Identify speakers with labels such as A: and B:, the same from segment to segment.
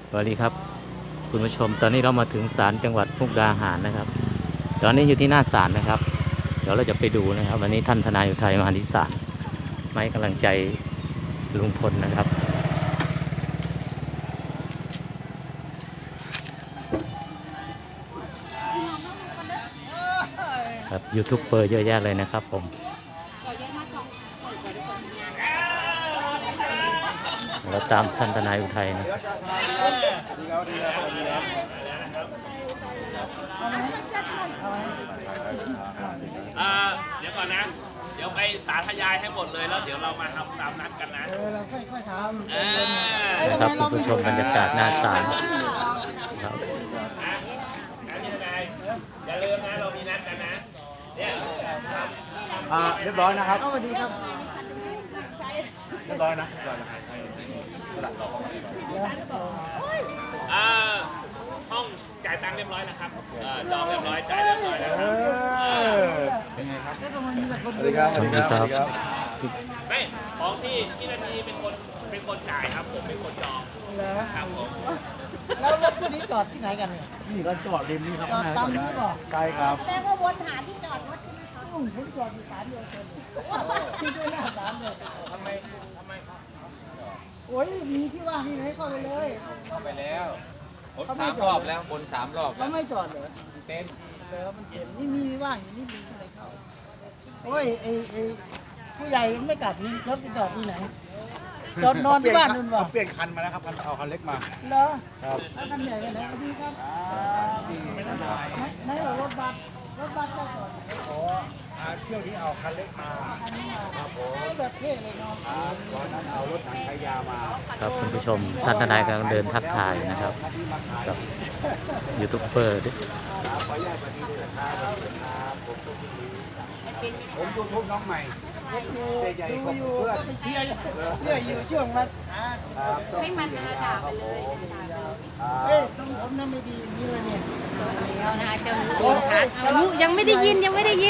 A: สวัสดีครับคุณผู้ชมตอนนี้เรามาถึงศาลจังหวัดมุกดาหารนะครับตอนนี้อยู่ที่หน้าศาลนะครับเดี๋ยวเราจะไปดูนะครับวันนี้ท่านทนายอุทัยมาที่ศาลมาให้กำลังใจลุงพลนะครับครับยูทูบเบอร์เยอะแยะเลยนะครับผมเราตามท่านทนายอุทัยนะ
B: เดี๋ยวก่อนนะ เดี๋ยวไปสาธยายให้หมดเลยแล้วเดี๋ยวเรามาทำตามนัดกันนะ
C: เราค่อยๆทำ
A: นะครับคุณผู้ชมบรรยากาศหน้าศาลครับ
B: พี่ทนายอย่าลืมนะเรามีนัดกันนะเนี่ย
C: เรียบร้อยนะครับสวัสดีครับ
B: เรียบร้อยนะห้องจ่ายตังค์เรียบร้อยนะครับจองเรียบร้อยจ่ายเรียบร้อยนะครับ
C: เป็นไงครับสวั
A: สดีครับ
B: ไม่ของที่นาทีเป็นคนจ่ายครับผมเป็นคนจองครับผม
C: แล้วรถคันนี้จอดที่ไหนกันเนี่ย
D: นี่เราจอดริมนี่ครับ
C: จอดตามนี้ป่ะ
D: ใช่ครับ
E: แสดงว่าวนหาที่จอดรถใช่ไหมคะ
C: ผมจอดอยู่ศาลเดียวกันที่ด้วยหน้าศาลเลยทำไมโอ้ยมีที่ว่างที่ไหนเข้าไปเลย
D: เข้าไปแล้วผม3 รอบแล้วบน3 รอบ
C: แล้วไม่จอดเหรอ
D: เต็ม
C: แล้วมันเต็มนี่มีว่างอย่างนี้มีอะไรเข้าโอ้ยไอ้ผู้ใหญ่ไม่กลับนี่รถจะจอดที่ไหนจอดนอนที่บ้านนู่นวะ
D: เปลี่ยนคันมาแล้วครับเอาคันเล็กมา
C: เหรอ
D: ครับ
C: แล้วคันใหญ่ไปไหนดีครับไหนรถบัสก็จอด
D: เที่ยวนี้เอาคันเล็กมาครับผม
C: แบบเท่เลยเนาะ
D: ตอนนั้นเอารถถังขยามา
A: ครับคุณผู้ชมท่านทนายกำลังเดินทักทายนะครับกับยูทูบเบอร์ด้วย
D: ผมยูทูบน้องใหม่
C: ดูอยู่ก็ไปเชียร์เนี่ยอยู่ช่วงมัน
E: ให้มันด่าไปเลย
C: เฮ้ยสมผมนั่นไม่ดีนี่เลยเนี่ย
E: แล้วนะคะจะรู้ยังไม่ได้ยินไม่ได้
C: ดี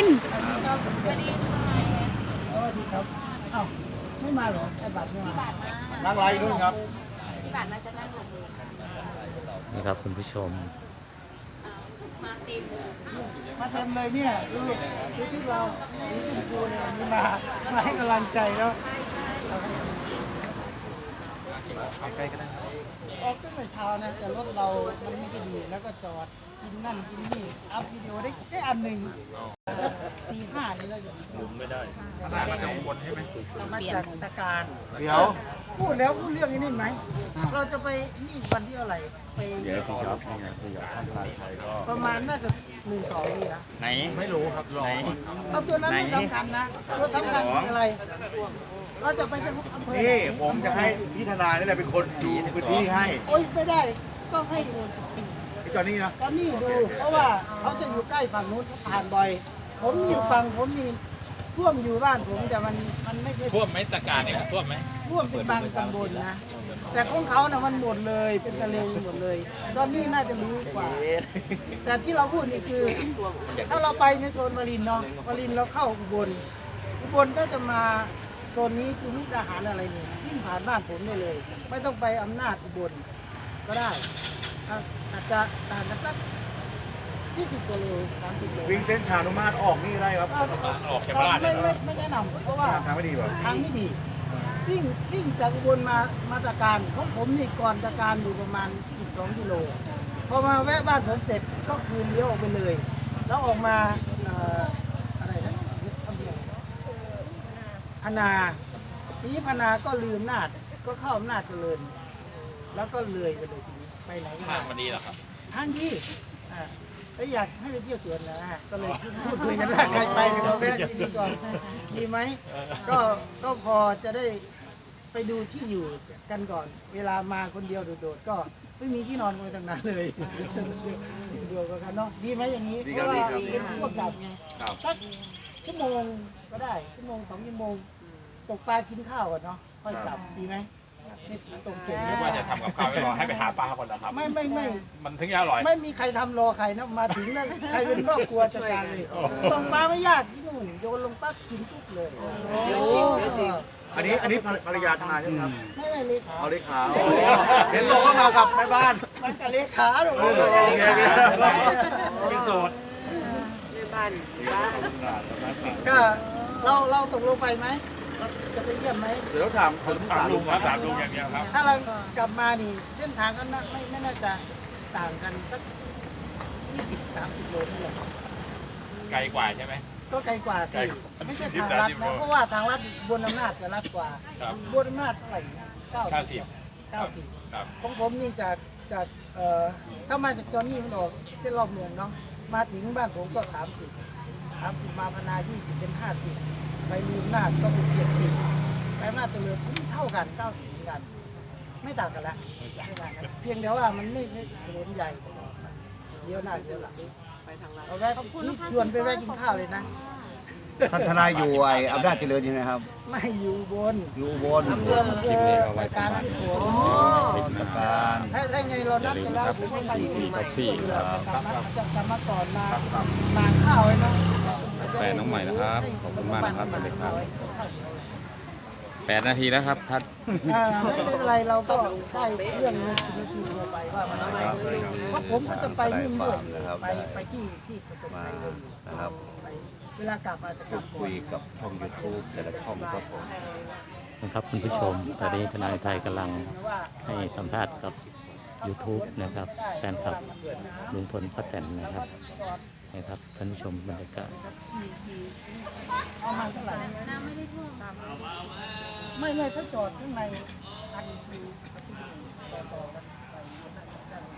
E: ครับ
C: เอ้าไม่มาหรอไอ้บัตรไม่มา
D: นั่งไลน์ด้วยครับ
E: พี่บัตรมาจะนั่งลง
A: นี่ครับคุณผู้ชม
E: มาเต็ม
C: เลยเนี่ยดูที่เราสีชมพูเนี่ยมีมาให้กำลังใจแล้ว
D: ใกล้ๆก็ได้
C: ออกตั้งแต่เช้านะแต่รถเรามันไม่ได้ดีแล้วก็จอดกินนั่นกินนี่อัพวิดีโอได้อันหนึ่งสักตี 5นี่เราจะ
B: ไม่ได้
D: มาจากบนใช่ไหม
C: มาจากตะการ
D: เดี๋ยว
C: พูดเรื่องนี้ไหมเราจะไปนี่วันที่อะไรไป
D: เดี๋ยวที่ครับนี่ไงที่อยากทำไทยก็
C: ประมาณน่าจะ1-2นี่นะ
D: ไหนไม่รู้ครับรอ
C: เอาตัวนั้นไม่สำคัญนะตัวสำคัญคืออะไรเราจะไปที่อำเภอ
D: นี่ผมจะให้พี่ทนายนี่แหละเป็นคนดูพื้นที่ให้
C: โอ๊ยไม่ได้ต้องให้
D: ตอนนี้นะ
C: ตอนนี้ดูเพราะว่าเขาจะอยู่ใกล้ฝั่งนู้นเขาผ่านบ่อยผมอยู่ฝั่งผมนี่ท่วมอยู่บ้านผมแต่มันไม่ใช่
B: ท่วมไหมตะการเนี่ยท่วมไหม
C: ท่วมเป็นบางตำบลนะแต่ของเขานะมันหมดเลยเป็นทะเลหมดเลย ตอนนี้น่าจะรู้กว่าแต่ที่เราพูดนี่คือถ้าเราไปในโซนวารินเนาะวารินเราเข้าอุบลก็จะมาโซนนี้คือมุกดาหารอะไรนี่วิ่งผ่านบ้านผมได้เลยไม่ต้องไปอำนาจอุบลก็ได้อาจจะต่างกันสัก20 กิโล 30 โล
D: วิ่งเส้นชานุมาตรออกนี่ได้ครับ
B: ออกแค่บ้าน
C: ไม่แนะนำเพราะว่า
D: ทางไม่ดีป่ะ
C: ทางไม่ดีวิ่งจากอุบลมาตะการของผมนี่ก่อนตะการอยู่ประมาณ12 กิโลพอมาแวะบ้านผมเสร็จก็คือเลี้ยวออกไปเลยแล้วออกมาอะไรนะพนาทีนี้พนาก็ลืมนาดก็เข้าอำนาจเจริญแล้วก็เลยไปเลยทีนี้ไปไหนก็ได้
B: ทางมันดีเหรอครับ
C: ทางดีแล้วอยากให้ไปเที่ยวสวนนะก็เลยพูดคุยกันว่าใครไปเราแวะที่นี่ก่อนดีไหมก็พอจะได้ไปดูที่อยู่กันก่อนเวลามาคนเดียวโดดๆก็ไม่มีที่นอนไว้ทางนั้นเลยดูกันเนาะดีไหมอย่างนี้เพราะว่าเป็นพวกกลับไงสักชั่วโมงก็ได้ชั่วโมง2 ชั่วโมงตกปลากินข้าวก่อนเนาะค่อยกลับดีไหมนี่ตรงเก่ง
B: ไม่ว่าจะทำกับข้าวไม่รอให้ไปหาปลาก่อนเหรอครับ
C: ไม่
B: มันถึงจะอร่อย
C: ไม่มีใครทำรอใครนะมาถึงนะใครเป็นครอบครัวจัดการเลยตรงปลาไม่ยากที่นู่นโยนลงปั๊บกินปุ๊บเลย
E: เยอะจริง
D: อันนี้ภรรยาทนายใช่ไหมครับ
C: ไม่เลขา
D: เอาเลขาเห็นบอกว่ามากับแม่บ้าน
C: มันกับเลขาหรอก
D: เป็นโสด
C: ก็เราตกลงไปไหมเราจะไปเยี่ยมไหม
D: เดี๋ยวต้องถามคนที่ถามลุงครับ
B: ถามลุงอย่างเดียวครับ
C: ถ้าเรากลับมานี่เส้นทางก็ไม่น่าจะต่างกันสัก20-30 โลนี่แหละ
B: ไกลกว่าใช่ไหม
C: ก็ไกลกว่าสิไม่ใช่ทางลัดนะเพราะว่าทางลัดบนอำนาจจะลัดกว่า
B: ครับ
C: บนอำนาจเท่าไหร่นะ90
B: ครับ
C: ของผมนี่จากถ้ามาจากจอนี่มันออกเส้นรอบเมืองเนาะมาถึงบ้านผมก็30มาพนา20เป็น50ไปลืมนาจก็เป็น70ไปอำนาจเจริญเท่ากัน90เหมือนกัน ไม่ต่างกันละไม่ต่างกันเพียงแต่ว่ามันไม่ถนนใหญ่เลี้ยวหน้าเลี้ยวหลังเอาแวะนี่ชวนไปแวะกินข้าวเลยนะ
D: ท่านทนายอยู่อำนาจเจริญใช่ไหมครับ
C: ไม่อยู่บน
D: อยู่อุบล
C: อำเภอรายการที่ผม
D: การ
C: ถ้าไงเรานัดกันแล้วผมไปอยู่ใหม่จะกลับมาก่อนมาข้าวไว้เนาะ
F: แฟนน้องใหม่นะครับขอบคุณมากนะครับสวัสดีครับ 8 นาทีแล้วครับพัด
C: ไม่เป็นไรเราก็ได้เรื่องนึงทีเราไปว่ามันอะไรเพราะผมก็จะไปนู่นด้วยไปที่ประสบภัยเลยนะครับไปเวลากลับมาจะกลับ
D: คุยกับช่อง YouTube แต่ละช่องครับผม
A: นะครับคุณผู้ชมตอนนี้ทนายไทยกำลังให้สัมภาษณ์กับ YouTube นะครับแฟนคลับลุงพลป้าแตนนะครับนะครับท่านผู้ชมบรรยากาศ
C: ประมาณเท่าไหร่ไม่ถ้าจอดข้างในอันคือต่อกันไป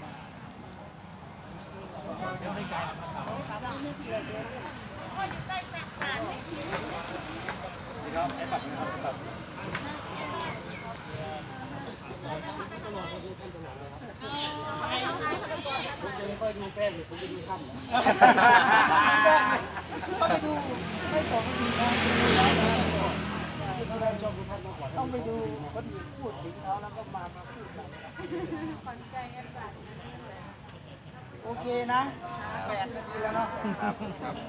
C: ต้องไปดูไม่ตกก็ดีนะต้องไปดูคนอื่นพูดถึงเขาแล้วก็มาพูดกันโอเคนะ8 นาทีแล้วเนาะ